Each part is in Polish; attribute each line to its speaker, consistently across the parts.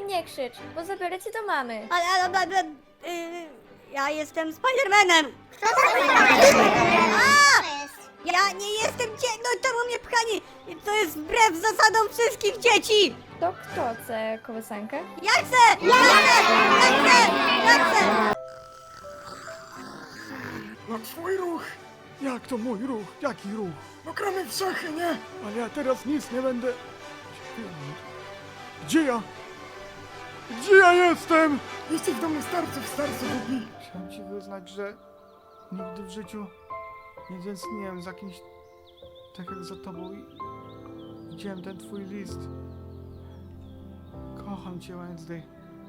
Speaker 1: nie krzycz, bo zabiorę cię do mamy.
Speaker 2: Ale, ja jestem Spidermanem!
Speaker 3: Kto to jest?
Speaker 2: Ja nie jestem no czemu mnie pchani? To jest wbrew zasadom wszystkich dzieci!
Speaker 1: To kto chce kołysankę?
Speaker 2: Ja chcę! Ja chcę! Ja chcę! Ja chcę!
Speaker 4: No twój ruch!
Speaker 5: Jak to mój ruch? Jaki ruch?
Speaker 4: No gramy w szachy, nie?
Speaker 5: Ale ja teraz nic nie będę... Gdzie ja? Gdzie ja jestem?
Speaker 4: Jesteś w domu starców, starcu Bugi.
Speaker 5: Chciałem ci wyznać, że nigdy w życiu nie tęskniłem za kimś tak jak za tobą i widziałem ten twój list. Kocham cię, Wednesday.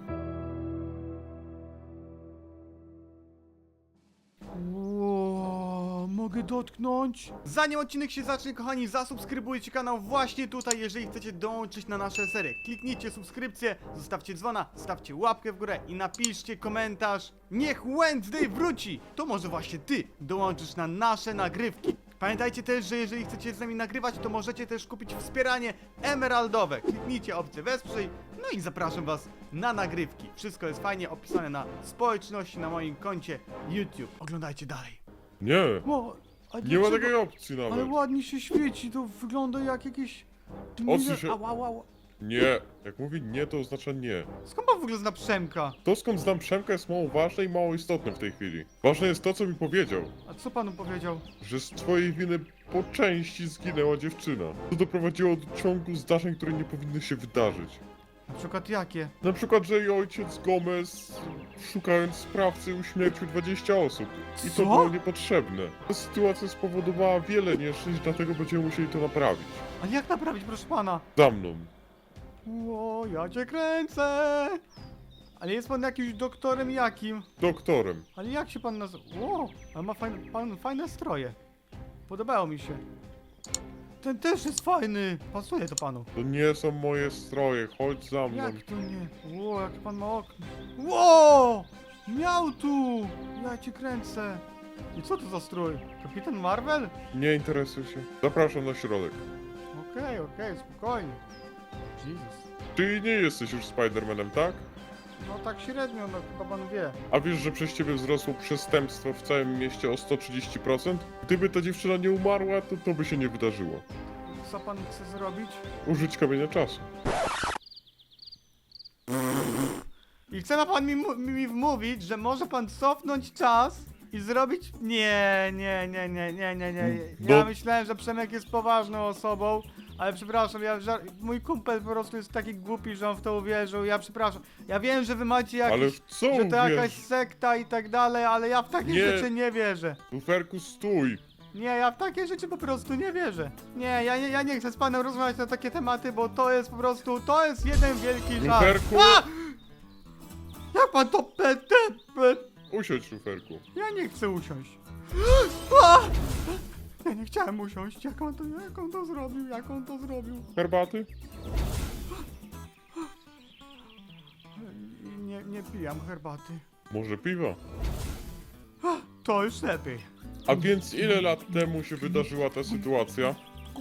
Speaker 5: Mogę dotknąć? Zanim odcinek się zacznie, kochani, zasubskrybujcie kanał właśnie tutaj, jeżeli chcecie dołączyć na nasze serie. Kliknijcie subskrypcję, zostawcie dzwona, stawcie łapkę w górę i napiszcie komentarz. Niech Wednesday wróci! To może właśnie ty dołączysz na nasze nagrywki. Pamiętajcie też, że jeżeli chcecie z nami nagrywać, to możecie też kupić wspieranie emeraldowe. Kliknijcie opcję wesprzyj, no i zapraszam was na nagrywki. Wszystko jest fajnie opisane na społeczności, na moim koncie YouTube. Oglądajcie dalej.
Speaker 6: Nie,
Speaker 5: O, a
Speaker 6: nie ma
Speaker 5: dlaczego-
Speaker 6: takiej opcji
Speaker 5: Ale
Speaker 6: nawet.
Speaker 5: ładnie się świeci, to wygląda jak jakieś...
Speaker 6: Odsuń się.
Speaker 5: Ała, ała.
Speaker 6: Nie, jak mówi nie, to oznacza nie.
Speaker 5: Skąd pan w ogóle zna Przemka?
Speaker 6: To skąd znam Przemka jest mało ważne i mało istotne w tej chwili. Ważne jest to, co mi powiedział,
Speaker 5: A co panu powiedział?
Speaker 6: że z twojej winy po części zginęła dziewczyna. To doprowadziło do ciągu zdarzeń, które nie powinny się wydarzyć.
Speaker 5: Na przykład jakie?
Speaker 6: Na przykład, że jej ojciec Gomez, szukając sprawcy, uśmiercił 20 osób. I
Speaker 5: Co?
Speaker 6: to było niepotrzebne. Ta sytuacja spowodowała wiele nieszczęść, dlatego będziemy musieli to naprawić.
Speaker 5: A jak naprawić, proszę pana?
Speaker 6: Za mną.
Speaker 5: O, ja cię kręcę! Ale jest pan jakimś doktorem jakim?
Speaker 6: Doktorem.
Speaker 5: Ale jak się pan nazywa? O, ale ma pan fajne stroje. Podobało mi się. Ten też jest fajny. Pasuje to panu.
Speaker 6: To nie są moje stroje, chodź za mną.
Speaker 5: Jak to nie? Ło, jak pan ma okno. Ło! Miał tu! Ja cię kręcę. I co to za strój? Kapitan Marvel?
Speaker 6: Nie interesuj się. Zapraszam na środek.
Speaker 5: Okej, spokojnie. Jezus.
Speaker 6: Ty nie jesteś już Spidermanem, tak?
Speaker 5: No tak średnio, no chyba pan wie.
Speaker 6: A wiesz, że przez ciebie wzrosło przestępstwo w całym mieście o 130%? Gdyby ta dziewczyna nie umarła, to to by się nie wydarzyło.
Speaker 5: Co pan chce zrobić?
Speaker 6: Użyć kamienia czasu.
Speaker 5: I chce ma pan mi wmówić, że może pan cofnąć czas i zrobić... Nie. Ja
Speaker 6: No.
Speaker 5: myślałem, że Przemek jest poważną osobą, ale przepraszam, mój kumpel po prostu jest taki głupi, że on w to uwierzył, ja przepraszam. Ja wiem, że wy macie
Speaker 6: Ale
Speaker 5: jakieś...
Speaker 6: w co
Speaker 5: że to jakaś
Speaker 6: wiesz?
Speaker 5: sekta i tak dalej, ale ja w takie
Speaker 6: Nie.
Speaker 5: rzeczy nie wierzę.
Speaker 6: Luferku, stój!
Speaker 5: Nie, ja w takie rzeczy po prostu nie wierzę. Nie, ja nie chcę z panem rozmawiać na takie tematy, bo to jest po prostu, to jest jeden wielki żart.
Speaker 6: Luferku!
Speaker 5: A! Jak pan to
Speaker 6: Usiądź, Luferku.
Speaker 5: Ja nie chcę usiąść. A! Ja nie chciałem usiąść. Jak on to zrobił?
Speaker 6: Herbaty?
Speaker 5: Nie pijam herbaty.
Speaker 6: Może piwa?
Speaker 5: To już lepiej.
Speaker 6: A więc ile lat temu się wydarzyła ta sytuacja?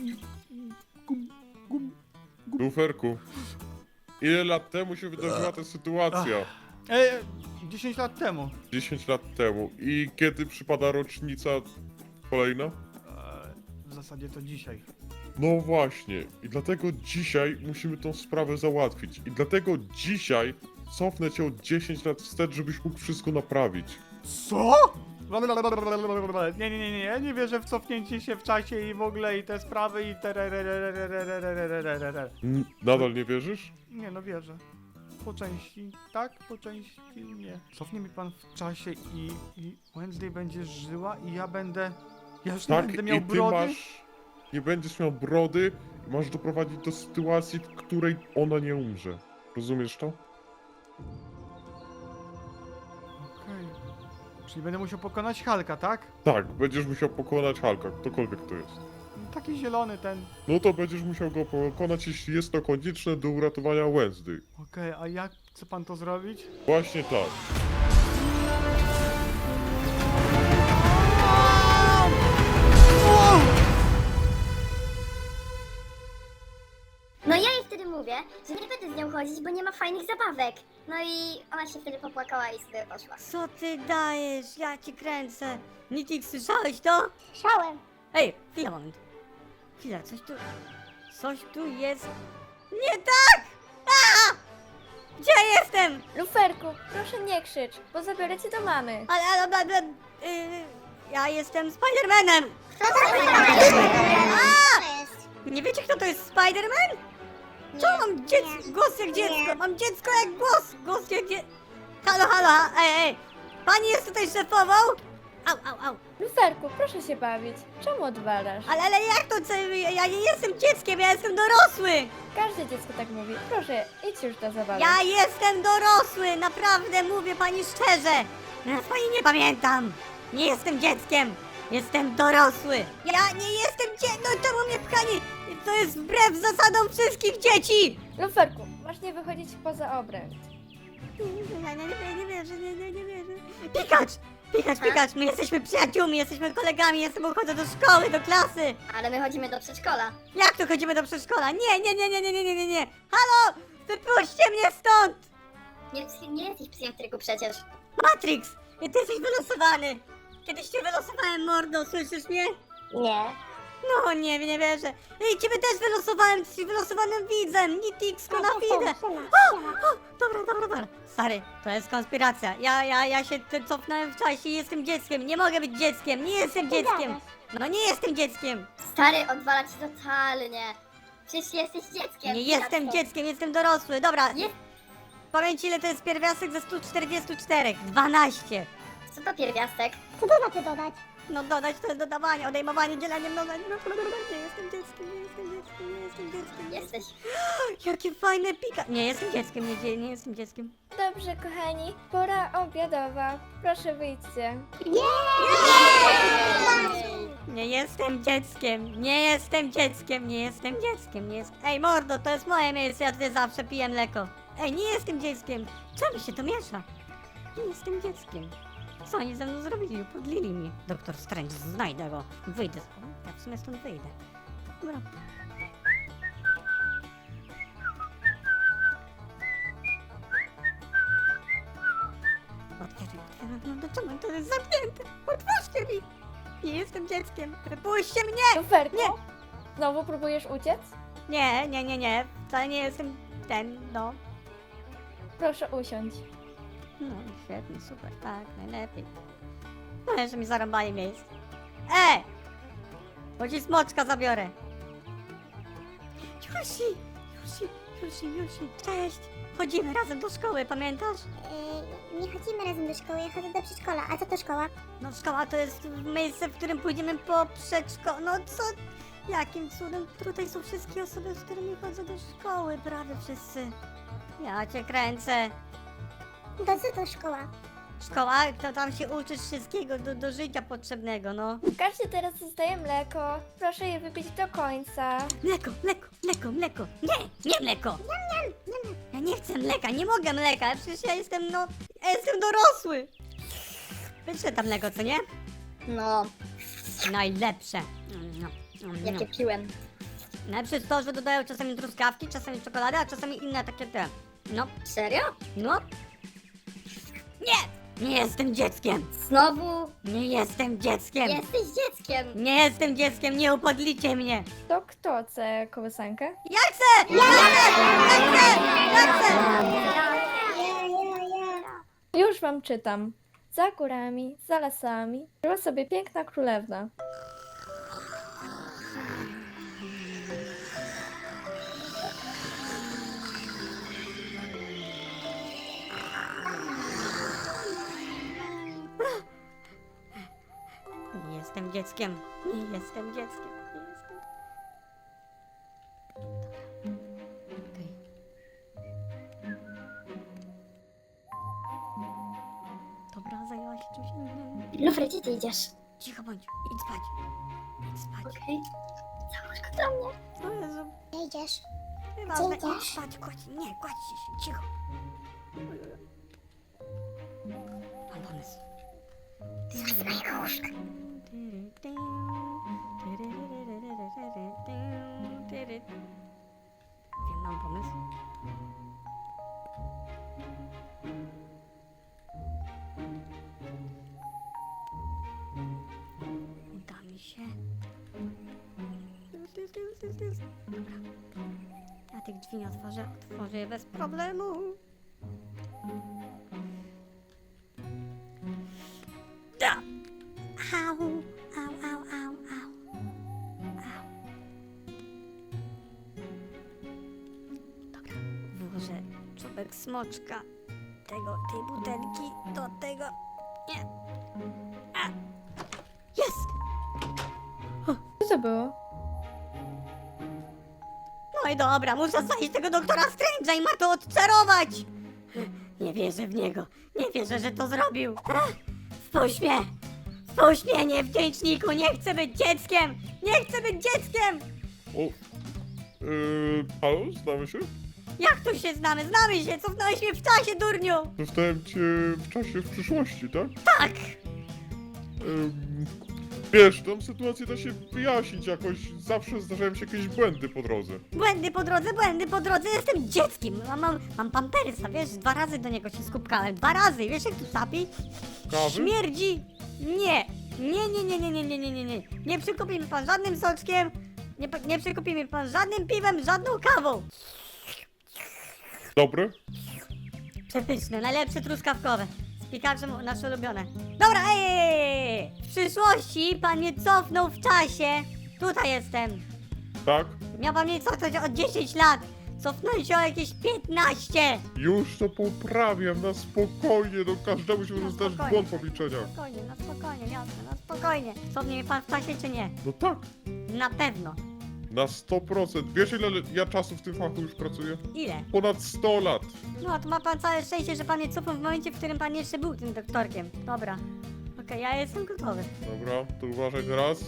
Speaker 6: Luferku. Ile lat temu się wydarzyła ta sytuacja?
Speaker 5: 10 lat temu.
Speaker 6: 10 lat temu. I kiedy przypada rocznica kolejna?
Speaker 5: W zasadzie to dzisiaj.
Speaker 6: No właśnie. I dlatego dzisiaj musimy tą sprawę załatwić. I dlatego dzisiaj cofnę cię o 10 lat wstecz, żebyś mógł wszystko naprawić.
Speaker 5: Co? Nie, ja nie wierzę w cofnięcie się w czasie i w ogóle i te sprawy i te...
Speaker 6: Nadal nie wierzysz?
Speaker 5: Nie no wierzę. Po części tak, po części nie. Cofnie mi pan w czasie i Wednesday będzie żyła i ja będę... Ja już nie
Speaker 6: Tak,
Speaker 5: będę miał
Speaker 6: i ty
Speaker 5: brody?
Speaker 6: nie będziesz miał brody, masz doprowadzić do sytuacji, w której ona nie umrze. Rozumiesz to?
Speaker 5: Okej. Czyli będę musiał pokonać Hulka, tak?
Speaker 6: Tak, będziesz musiał pokonać Hulka, ktokolwiek to jest.
Speaker 5: Taki zielony ten.
Speaker 6: No to będziesz musiał go pokonać, jeśli jest to konieczne do uratowania Wednesday.
Speaker 5: Okej, a jak chce pan to zrobić?
Speaker 6: Właśnie tak.
Speaker 3: No ja jej wtedy mówię, że nie będę z nią chodzić, bo nie ma fajnych zabawek. No i ona się wtedy popłakała i sobie poszła.
Speaker 2: Co ty dajesz? Ja ci kręcę. Nitik, słyszałeś to?
Speaker 3: Szałem.
Speaker 2: Ej, chwila, moment. Chwila, coś tu jest nie tak! A! Gdzie ja jestem?
Speaker 1: Luferku, proszę nie krzycz, bo zabiorę cię do mamy.
Speaker 2: Ale, ja jestem Spidermanem!
Speaker 3: Kto to jest?
Speaker 2: Nie wiecie, kto to jest Spiderman? Co mam głos jak dziecko? Mam dziecko jak głos! Głos jak dziecko! Halo, ej! Pani jest tutaj szefową? Au!
Speaker 1: Luferku, proszę się bawić. Czemu odwalasz?
Speaker 2: Ale jak to? Ja nie jestem dzieckiem, ja jestem dorosły!
Speaker 1: Każde dziecko tak mówi. Proszę, idź już do zabawy.
Speaker 2: Ja jestem dorosły! Naprawdę mówię pani szczerze! Ja pani nie pamiętam! Nie jestem dzieckiem! Jestem dorosły! Ja nie jestem dzieckiem! No czemu mnie pchani? To jest wbrew zasadom wszystkich dzieci!
Speaker 1: Luferku, masz nie wychodzić poza obręcz.
Speaker 2: Nie wierzę. Pikacz, my jesteśmy przyjaciółmi, jesteśmy kolegami, ja z tobą chodzę do szkoły, do klasy!
Speaker 3: Ale my chodzimy do przedszkola.
Speaker 2: Jak to chodzimy do przedszkola? Nie! Halo! Wypuśćcie mnie stąd!
Speaker 3: Nie jesteś psychiatryku przecież.
Speaker 2: Matrix! Ty jesteś wylosowany! Kiedyś cię wylosowałem, mordo, słyszysz mnie?
Speaker 3: Nie.
Speaker 2: No nie wierzę. Ej, ciebie też wylosowałem, ty jesteś wylosowanym widzem! Nitix, Konafidę! Dobra. Stary, to jest konspiracja. Ja się cofnąłem w czasie i jestem dzieckiem. Nie mogę być dzieckiem, nie jestem dzieckiem! No nie jestem dzieckiem!
Speaker 3: Stary, odwala ci totalnie. Przecież jesteś dzieckiem.
Speaker 2: Nie jestem dzieckiem, jestem dorosły. Dobra,
Speaker 3: Jest.
Speaker 2: powiedz ile to jest pierwiastek ze 144? 12.
Speaker 3: Co to pierwiastek?
Speaker 2: Co to znaczy dodać? No dodać to jest dodawanie, odejmowanie, dzielenie, mnożenie. Nie jestem dzieckiem.
Speaker 3: Jesteś.
Speaker 2: Jakie fajne pika... Nie jestem dzieckiem, nie jestem dzieckiem.
Speaker 1: Dobrze, kochani, pora obiadowa. Proszę wyjdźcie.
Speaker 2: Nie jestem dzieckiem. Ej mordo, to jest moje miejsce, ja tutaj zawsze piję mleko. Ej, nie jestem dzieckiem. Czemu się to miesza? Nie jestem dzieckiem. Co oni ze mną zrobili? Podlili mnie. Doktor Strange, znajdę go. Wyjdę. Ja w sumie stąd wyjdę. Dobra. Otwieram. No czemu to jest zamknięte? Otwórzcie mi! Nie jestem dzieckiem. Wypuśćcie mnie!
Speaker 1: Luferku,
Speaker 2: Nie.
Speaker 1: znowu próbujesz uciec?
Speaker 2: Nie. Wcale nie jestem no.
Speaker 1: Proszę usiądź.
Speaker 2: No, świetnie, super, tak, najlepiej. No, jeszcze mi zarąbali miejsce. Bo ci smoczka zabiorę. Jusi, cześć. Chodzimy razem do szkoły, pamiętasz?
Speaker 3: Nie chodzimy razem do szkoły, ja chodzę do przedszkola. A co to szkoła?
Speaker 2: No, szkoła to jest miejsce, w którym pójdziemy po przedszkolu. No co? Jakim cudem? Tutaj są wszystkie osoby, z którymi chodzę do szkoły, prawie wszyscy. Ja cię kręcę.
Speaker 3: To co to szkoła?
Speaker 2: Szkoła, to tam się uczysz wszystkiego do życia potrzebnego, no.
Speaker 1: Każdy teraz dostaje mleko. Proszę je wypić do końca.
Speaker 2: Mleko. Nie mleko. Ja nie chcę mleka, nie mogę mleka, przecież ja jestem dorosły. Pyszne tam mleko, co nie?
Speaker 3: No,
Speaker 2: Najlepsze.
Speaker 3: jakie piłem.
Speaker 2: Najlepsze jest to, że dodają czasami truskawki, czasami czekoladę, a czasami inne takie te. No,
Speaker 3: Serio?
Speaker 2: no. Nie jestem dzieckiem.
Speaker 3: Znowu?
Speaker 2: Nie jestem dzieckiem.
Speaker 3: Jesteś dzieckiem.
Speaker 2: Nie jestem dzieckiem, nie upodlicie mnie.
Speaker 1: To kto chce kołysankę?
Speaker 2: Ja chcę! Ja chcę!
Speaker 1: Już wam czytam. Za górami, za lasami, żyła sobie piękna królewna.
Speaker 2: Nie jestem dzieckiem. Nie jestem. Okej. Dobra, zajęła się czymś innym.
Speaker 3: Lufry, gdzie ty idziesz?
Speaker 2: Cicho bądź, idź spać.
Speaker 3: Okej. Załóż go do mnie.
Speaker 2: O Jezu.
Speaker 3: Gdzie idziesz?
Speaker 2: Nieważne,
Speaker 3: idziesz?
Speaker 2: idź spać, kładź się, cicho. Mam pomysł.
Speaker 3: Z mojego łóżka.
Speaker 2: Wiem, mam pomysł. Dobra. Ja tych drzwi nie otworzę je bez problemu. Da! Au, au, au, au, au. Au. Dobra, włożę czubek smoczka tej butelki do tego. Nie. A. Jest!
Speaker 1: Co to było?
Speaker 2: No i dobra, muszę znaleźć tego doktora Strange'a i ma to odczarować! Nie wierzę w niego. Nie wierzę, że to zrobił. Spójrz mnie! Spójrz mnie, niewdzięczniku! Nie chcę być dzieckiem! Nie chcę być dzieckiem!
Speaker 6: O, halo, znamy się?
Speaker 2: Jak tu się znamy? Znamy się! Cofnąłeś mnie w czasie, durniu!
Speaker 6: Zostałem cię w czasie w przyszłości, tak?
Speaker 2: Tak!
Speaker 6: Wiesz, tą sytuację da się wyjaśnić jakoś. Zawsze zdarzają się jakieś błędy po drodze.
Speaker 2: Błędy po drodze, jestem dzieckiem! Mam pampersa, wiesz, 2 razy do niego się skupkałem. 2 razy! Wiesz jak tu sapi?
Speaker 6: Kawy?
Speaker 2: Śmierdzi! Nie! Nie. Nie przykupi mi pan żadnym soczkiem, nie przykupi mi pan żadnym piwem, żadną kawą.
Speaker 6: Dobre?
Speaker 2: Przepyszne, najlepsze truskawkowe. Z pikaczem nasze ulubione. Dobra, ej! W przyszłości pan mnie cofnął w czasie. Tutaj jestem.
Speaker 6: Tak?
Speaker 2: Miał pan mnie cofnąć o 10 lat. Cofnąć o jakieś 15.
Speaker 6: Już to poprawiam, na spokojnie, no każdemu się może zdarzyć
Speaker 2: spokojnie.
Speaker 6: błąd w obliczeniach.
Speaker 2: Na spokojnie, jasne, na spokojnie. Cofnie mnie pan w czasie czy nie?
Speaker 6: No tak,
Speaker 2: Na pewno.
Speaker 6: na 100%. Wiesz ile ja czasu w tym fachu już pracuję?
Speaker 2: Ile?
Speaker 6: Ponad 100 lat.
Speaker 2: No, to ma pan całe szczęście, że pan mnie cofnął w momencie, w którym pan jeszcze był tym doktorkiem. Dobra. Okej, ja jestem gotowy.
Speaker 6: Dobra, to uważaj teraz.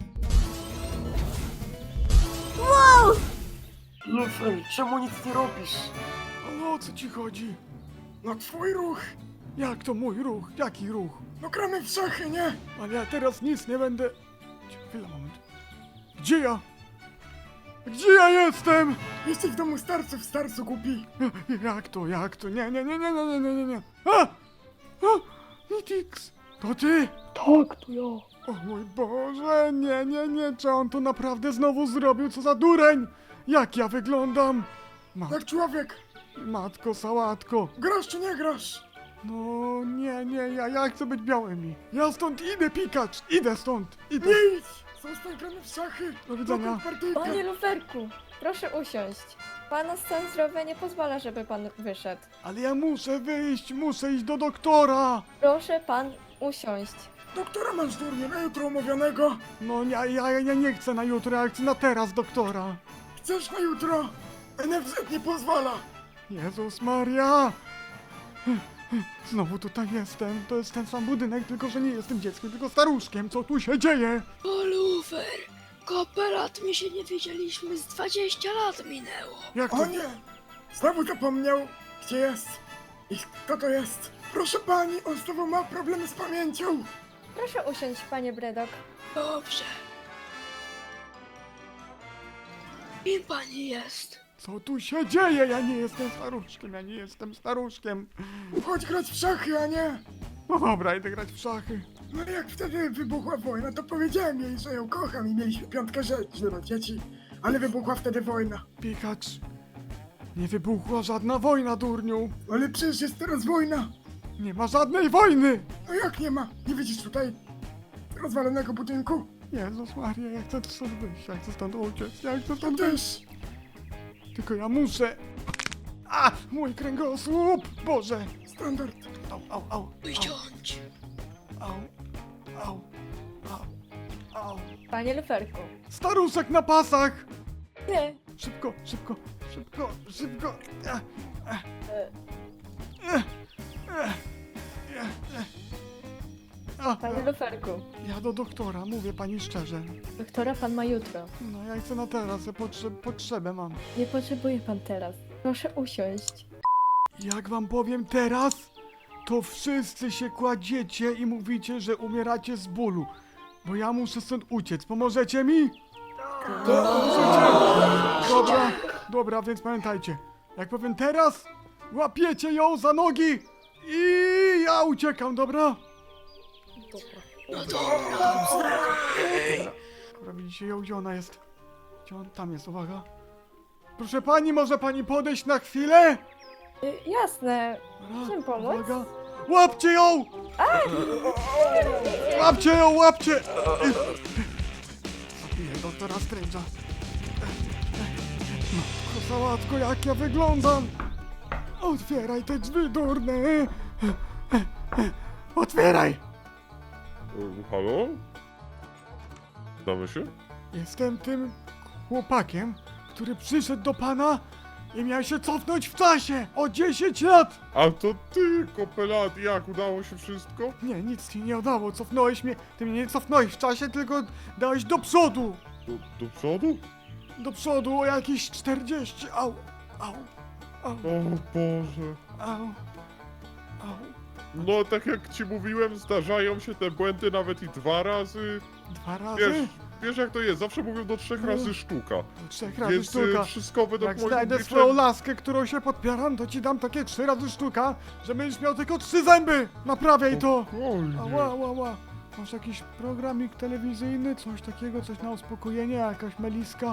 Speaker 2: Wow!
Speaker 4: Lufer, czemu nic nie robisz?
Speaker 5: Ale o co ci chodzi?
Speaker 4: No twój ruch.
Speaker 5: Jak to mój ruch? Jaki ruch?
Speaker 4: No gramy w szachy, nie?
Speaker 5: Ale ja teraz nic nie będę... Chwila, moment. Gdzie ja? Gdzie ja jestem?
Speaker 4: Jesteś w domu starców, starcu głupi.
Speaker 5: Jak to? Nie. A! Nitix! To ty?
Speaker 4: Tak, to ja.
Speaker 5: O mój Boże, nie, czy on to naprawdę znowu zrobił? Co za dureń! Jak ja wyglądam?
Speaker 4: Jak człowiek.
Speaker 5: Matko, sałatko.
Speaker 4: Grasz czy nie grasz?
Speaker 5: No, nie, ja chcę być białymi. Ja stąd idę, pikacz! Idę stąd! Idę!
Speaker 4: Nie idź! Zostań, gramy w szachy.
Speaker 5: Do widzenia.
Speaker 4: Dokąd partyjkę?
Speaker 1: Panie Luferku, proszę usiąść. Pana stan zdrowia nie pozwala, żeby pan wyszedł.
Speaker 5: Ale ja muszę wyjść, muszę iść do doktora!
Speaker 1: Proszę pan usiąść.
Speaker 4: Doktora masz durnie, na jutro umówionego.
Speaker 5: No, ja nie chcę na jutro, ja chcę na teraz doktora.
Speaker 4: Chcesz na jutro? NFZ nie pozwala.
Speaker 5: Jezus Maria! Znowu tutaj jestem. To jest ten sam budynek, tylko że nie jestem dzieckiem, tylko staruszkiem. Co tu się dzieje?
Speaker 7: O Lufer, kooperat my się nie widzieliśmy, z 20 lat minęło.
Speaker 5: Jak to?
Speaker 4: O nie! Znowu zapomniał, gdzie jest. I kto to jest? Proszę pani, on znowu ma problemy z pamięcią.
Speaker 1: Proszę usiąść, panie Bredok.
Speaker 7: Dobrze. Kim pani jest?
Speaker 5: Co tu się dzieje? Ja nie jestem staruszkiem.
Speaker 4: Chodź grać w szachy, a nie.
Speaker 5: No dobra, idę grać w szachy.
Speaker 4: No jak wtedy wybuchła wojna, to powiedziałem jej, że ją kocham i mieliśmy 5 rzeczy do dzieci. Ale wybuchła wtedy wojna.
Speaker 5: Pikacz, nie wybuchła żadna wojna, durniu.
Speaker 4: Ale przecież jest teraz wojna.
Speaker 5: Nie ma żadnej wojny!
Speaker 4: No jak nie ma? Nie widzisz tutaj rozwalonego budynku?
Speaker 5: Jezus Maria, ja chcę stąd wyjść, ja chcę stąd uciec, ja chcę
Speaker 4: To
Speaker 5: stąd wyjść.
Speaker 4: też.
Speaker 5: Tylko ja muszę... A! Mój kręgosłup! Boże!
Speaker 4: Standard.
Speaker 5: Au.
Speaker 7: Usiądź.
Speaker 5: Au.
Speaker 1: Panie Luferku.
Speaker 5: Staruszek na pasach!
Speaker 1: Nie.
Speaker 5: Szybko!
Speaker 1: Panie Luferku.
Speaker 5: Ja do doktora, mówię pani szczerze.
Speaker 1: Doktora pan ma jutro.
Speaker 5: No ja chcę na teraz, ja potrzebę mam.
Speaker 1: Nie potrzebuje pan teraz. Proszę usiąść.
Speaker 5: Jak wam powiem teraz, to wszyscy się kładziecie i mówicie, że umieracie z bólu. Bo ja muszę stąd uciec. Pomożecie mi? Dobra, więc pamiętajcie. Jak powiem teraz, łapiecie ją za nogi i ja uciekam, dobra?
Speaker 7: No dobra.
Speaker 5: Dobra, widzicie ją, gdzie ona jest? Gdzie on tam jest, uwaga. Proszę pani, może pani podejść na chwilę?
Speaker 1: Jasne.
Speaker 5: Dobra,
Speaker 1: Czym pomóc?
Speaker 5: uwaga. Łapcie ją! Łapcie ją, łapcie! Zabiję doktora Strange'a. Matko sałatko, jak ja wyglądam! Otwieraj te drzwi, durne! Otwieraj!
Speaker 6: Halo? Znamy się?
Speaker 5: Jestem tym chłopakiem, który przyszedł do pana i miał się cofnąć w czasie o 10 lat!
Speaker 6: A to ty, kopelat, jak udało się wszystko?
Speaker 5: Nie, nic ci nie udało, cofnąłeś mnie. Ty mnie nie cofnąłeś w czasie, tylko dałeś do przodu!
Speaker 6: Do przodu?
Speaker 5: Do przodu o jakieś 40. Au, au, au,
Speaker 6: O Boże.
Speaker 5: au, au.
Speaker 6: No tak jak ci mówiłem, zdarzają się te błędy nawet i 2 razy.
Speaker 5: 2 razy?
Speaker 6: Wiesz jak to jest, zawsze mówią do 3 razy sztuka.
Speaker 5: 3 razy
Speaker 6: Więc
Speaker 5: sztuka.
Speaker 6: wszystko według
Speaker 5: Jak
Speaker 6: moich
Speaker 5: znajdę
Speaker 6: obliczeń-
Speaker 5: swoją laskę, którą się podpieram, to ci dam takie 3 razy sztuka, że będziesz miał tylko 3 zęby! Naprawiaj to!
Speaker 6: Spokojnie.
Speaker 5: Ała, ała, ała. Masz jakiś programik telewizyjny, coś takiego, coś na uspokojenie, jakaś meliska?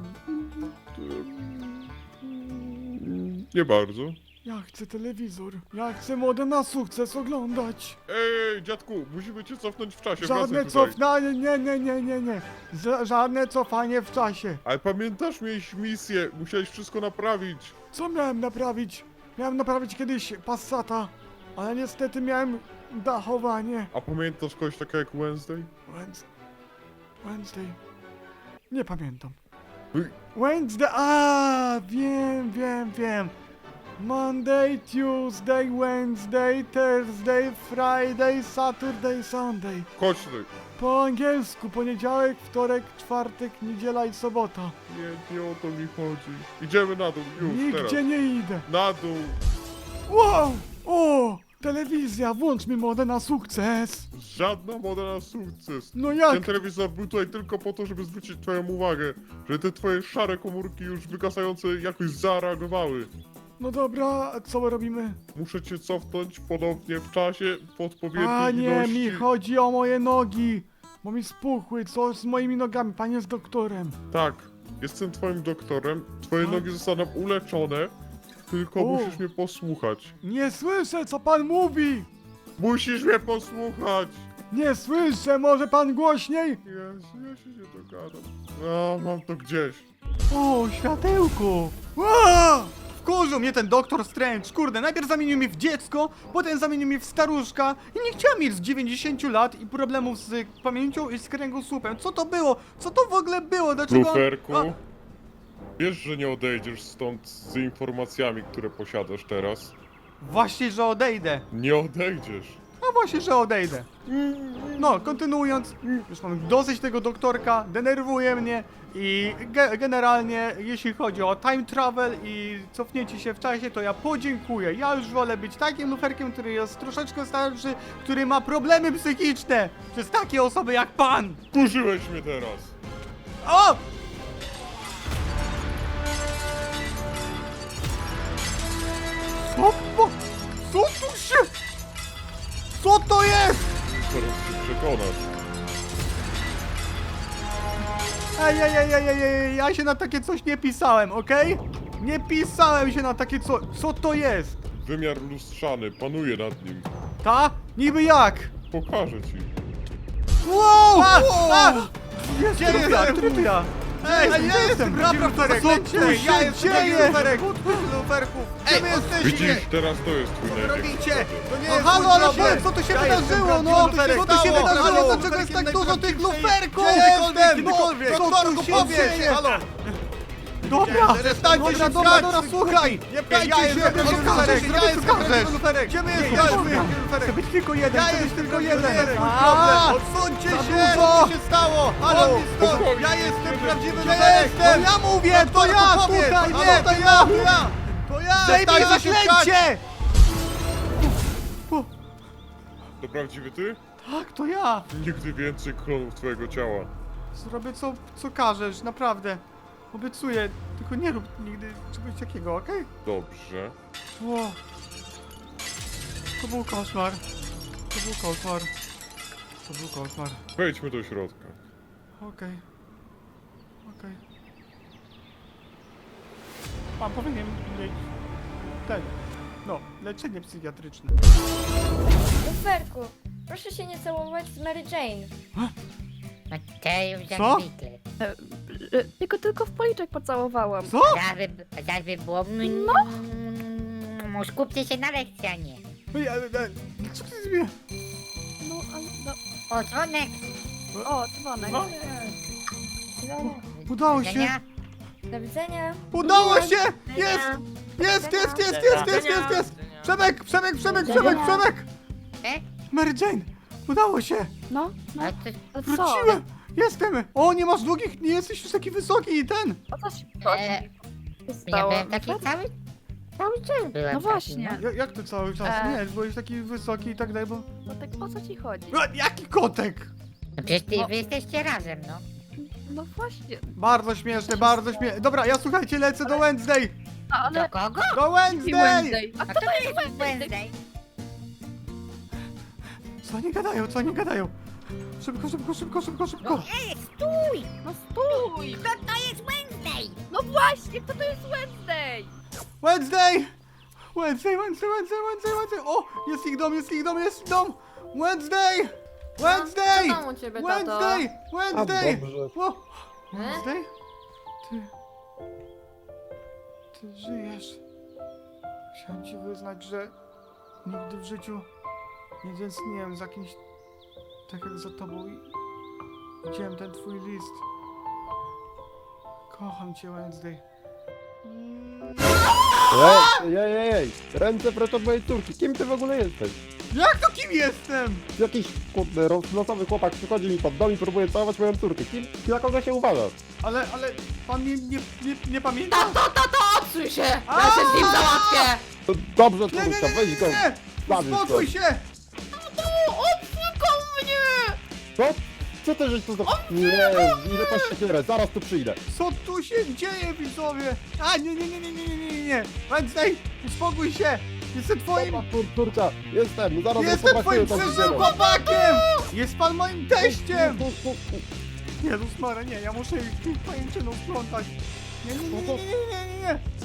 Speaker 6: Nie bardzo.
Speaker 5: Ja chcę telewizor. Ja chcę modę na sukces oglądać.
Speaker 6: Ej, dziadku, musimy cię cofnąć w czasie,
Speaker 5: Żadne
Speaker 6: wracaj tutaj.
Speaker 5: cofanie, nie. Żadne cofanie w czasie.
Speaker 6: Ale pamiętasz, miałeś misję, musiałeś wszystko naprawić.
Speaker 5: Co miałem naprawić? Miałem naprawić kiedyś Passata, ale niestety miałem dachowanie.
Speaker 6: A pamiętasz kogoś takiego jak Wednesday?
Speaker 5: Wednesday. Nie pamiętam.
Speaker 6: Wy-
Speaker 5: Wednesday, wiem. Monday, Tuesday, Wednesday, Thursday, Friday, Saturday, Sunday.
Speaker 6: Chodź tutaj.
Speaker 5: Po angielsku poniedziałek, wtorek, czwartek, niedziela i sobota.
Speaker 6: Nie o to mi chodzi. Idziemy na dół, już,
Speaker 5: Nigdzie
Speaker 6: teraz.
Speaker 5: nie idę.
Speaker 6: Na dół.
Speaker 5: Wow! O! Telewizja, włącz mi modę na sukces.
Speaker 6: Żadna moda na sukces.
Speaker 5: No
Speaker 6: Ten
Speaker 5: jak?
Speaker 6: telewizor był tutaj tylko po to, żeby zwrócić twoją uwagę, że te twoje szare komórki już wygasające jakoś zareagowały.
Speaker 5: No dobra, a co robimy?
Speaker 6: Muszę cię cofnąć ponownie w czasie w odpowiedniej
Speaker 5: Panie,
Speaker 6: ilości.
Speaker 5: mi chodzi o moje nogi. Bo mi spuchły, co z moimi nogami? Pan jest doktorem.
Speaker 6: Tak, jestem twoim doktorem, twoje
Speaker 5: A?
Speaker 6: nogi zostaną uleczone, tylko
Speaker 5: O.
Speaker 6: musisz mnie posłuchać.
Speaker 5: Nie słyszę, co pan mówi.
Speaker 6: Musisz mnie posłuchać!
Speaker 5: Nie słyszę, może pan głośniej?
Speaker 6: Jezu, ja się nie dogadam. A, mam to gdzieś.
Speaker 5: O, światełko.
Speaker 8: Wkurzył mnie ten doktor Strange, kurde, najpierw zamienił mnie w dziecko, potem zamienił mnie w staruszka i nie chciałem mieć z 90 lat i problemów z pamięcią i z kręgosłupem. Co to było? Co to w ogóle było? Dlaczego on-
Speaker 6: Luferku,
Speaker 8: A,
Speaker 6: wiesz, że nie odejdziesz stąd z informacjami, które posiadasz teraz?
Speaker 8: Właśnie, że odejdę.
Speaker 6: Nie odejdziesz.
Speaker 8: No właśnie, że odejdę. No, kontynuując, już mam dosyć tego doktorka, denerwuje mnie i generalnie jeśli chodzi o time travel i cofnięcie się w czasie, to ja podziękuję. Ja już wolę być takim luferkiem, który jest troszeczkę starszy, który ma problemy psychiczne przez takie osoby jak pan.
Speaker 6: Kurzyłeś mnie teraz.
Speaker 8: O! Co tu się... Co to jest?
Speaker 6: Teraz się przekonasz.
Speaker 8: Ej, ja się na takie coś nie pisałem, okej? Nie pisałem się na takie co... Co to jest?
Speaker 6: Wymiar lustrzany, panuje nad nim.
Speaker 8: Ta? Niby jak?
Speaker 6: Pokażę ci.
Speaker 8: Wow!
Speaker 5: Gdzie
Speaker 8: Który to ja? Ej, ja jestem luferek!
Speaker 5: Co tu
Speaker 8: Ej, ja
Speaker 5: się
Speaker 8: jestem
Speaker 5: dzieje?
Speaker 8: luferek! Luferków! Gdzie wy jesteście?
Speaker 6: Widzisz, teraz to jest twój największy
Speaker 8: Robicie!
Speaker 6: problem.
Speaker 8: To nie
Speaker 5: No
Speaker 8: jest
Speaker 5: halo,
Speaker 8: mój
Speaker 5: ale
Speaker 8: problem!
Speaker 5: co tu się
Speaker 8: Ja
Speaker 5: wydarzyło,
Speaker 8: jestem
Speaker 5: no?
Speaker 8: prawdziwy
Speaker 5: Co tu się
Speaker 8: luferek,
Speaker 5: wydarzyło?
Speaker 8: stało?
Speaker 5: Dlaczego jest tak dużo tych luferków?
Speaker 8: Jestem!
Speaker 5: No,
Speaker 8: Doktorku,
Speaker 5: co tu się
Speaker 8: powiedz!
Speaker 5: dzieje?
Speaker 8: Halo!
Speaker 5: Dobra,
Speaker 8: Przestańcie się
Speaker 5: dobra,
Speaker 8: śmiać!
Speaker 5: słuchaj!
Speaker 8: Nie pchajcie się! Ja jestem prawdziwy luferek! Gdzie my jesteśmy?
Speaker 5: Chcę być tylko jeden,
Speaker 8: Ja
Speaker 5: chcę być
Speaker 8: jestem
Speaker 5: tylko
Speaker 8: jeden!
Speaker 5: jeden.
Speaker 8: To jest mój
Speaker 5: A,
Speaker 8: problem! Odsuńcie
Speaker 5: za
Speaker 8: się!
Speaker 5: dużo!
Speaker 8: Co się stało? Halo!
Speaker 6: Spokojnie.
Speaker 8: Ja jestem prawdziwy
Speaker 5: Gdzie
Speaker 8: luferek!
Speaker 5: jestem? To ja mówię, to ja
Speaker 8: Powiedz!
Speaker 5: tutaj,
Speaker 8: Halo,
Speaker 5: nie,
Speaker 8: to
Speaker 5: to
Speaker 8: ja!
Speaker 5: ja!
Speaker 8: To ja!
Speaker 5: Zdejmij
Speaker 8: Przestańcie się pchać!
Speaker 5: zaklęcie!
Speaker 6: To prawdziwy ty?
Speaker 5: Tak, to ja.
Speaker 6: Nigdy więcej klonów twojego ciała.
Speaker 8: Zrobię co każesz, naprawdę. Obiecuję, tylko nie rób nigdy czegoś takiego, okej?
Speaker 6: Dobrze.
Speaker 8: O, to był koszmar. To był koszmar. To był koszmar.
Speaker 6: Wejdźmy do środka.
Speaker 8: Okej. Okej. Pan powinien mieć ten, no, leczenie psychiatryczne.
Speaker 1: Luferku, proszę się nie całować z Mary Jane.
Speaker 9: Mateusz jak
Speaker 8: Co?
Speaker 9: zwykle.
Speaker 7: Tylko w policzek pocałowałam.
Speaker 8: Co?
Speaker 9: Zaraz było... Skupcie się na lekcji, a nie.
Speaker 8: Ej, co ty zrobiłeś?
Speaker 7: No, ale... No.
Speaker 9: O, dzwonek!
Speaker 7: O, dzwonek.
Speaker 8: No. Udało się!
Speaker 9: Widzenia?
Speaker 1: Do widzenia.
Speaker 8: Udało się! Jest! Jest! Przemek!
Speaker 9: E?
Speaker 8: Mary Jane! Udało się!
Speaker 7: No, no.
Speaker 9: A to...
Speaker 7: A co?
Speaker 8: Wróciłem! Jestem! O, nie masz długich, nie jesteś już taki wysoki i ten!
Speaker 7: O co się
Speaker 9: Ja
Speaker 7: stało?
Speaker 9: byłem taki cały czas byłem
Speaker 7: No
Speaker 9: taki,
Speaker 7: właśnie.
Speaker 8: Jak to cały czas? Nie, byłeś taki wysoki i tak dalej, bo...
Speaker 7: No tak o co ci chodzi?
Speaker 8: Jaki kotek!
Speaker 9: No przecież wy jesteście razem, no.
Speaker 7: No właśnie.
Speaker 8: Bardzo śmieszne, bardzo śmieszne. Dobra, ja słuchajcie, lecę do Wednesday!
Speaker 7: Ale...
Speaker 9: Do kogo?
Speaker 8: Do Wednesday!
Speaker 7: A
Speaker 9: A
Speaker 7: kto
Speaker 9: kto
Speaker 7: to jest
Speaker 9: jest
Speaker 7: Wednesday?
Speaker 9: Wednesday?
Speaker 8: Co oni gadają? Szybko!
Speaker 9: Ej, stój!
Speaker 7: No stój!
Speaker 9: Kto to jest Wednesday?
Speaker 7: No właśnie, kto to jest Wednesday?
Speaker 8: Wednesday! O! Jest ich dom! Wednesday!
Speaker 1: Co tam u ciebie, tato?
Speaker 8: Wednesday! O! Wednesday? Ty żyjesz. Chciałem ci wyznać, że nigdy w życiu nie tęskniłem za kimś tak jak za tobą i widziałem ten twój list. Kocham cię, Wednesday.
Speaker 10: Ej, ręce precz od mojej córki, kim ty w ogóle jesteś?
Speaker 8: Jak to kim jestem?
Speaker 10: Jakiś kurde, losowy chłopak przychodzi mi pod dom i próbuje całować moją córkę, kim, na kogo się uważasz?
Speaker 8: Ale pan mnie nie pamięta?
Speaker 7: Odsuń się!
Speaker 8: Ja się z nim
Speaker 7: załatwię!
Speaker 10: To dobrze, córka, weź go, zabierz go.
Speaker 8: Uspokój się!
Speaker 10: Co? Co ty żeś tu za... Nie, ile paść siekierę, zaraz tu przyjdę.
Speaker 8: Co tu się dzieje, widzowie? A, nie. Wednesday, uspokój się! Jestem twoim...
Speaker 10: Dobra, córka, jestem, zaraz
Speaker 8: Jestem twoim
Speaker 10: tą
Speaker 8: przyszłym
Speaker 10: siekierę.
Speaker 8: chłopakiem! Jest pan moim teściem! Jezus Maria, nie, ja muszę ich pajęczyną splątać. Nie.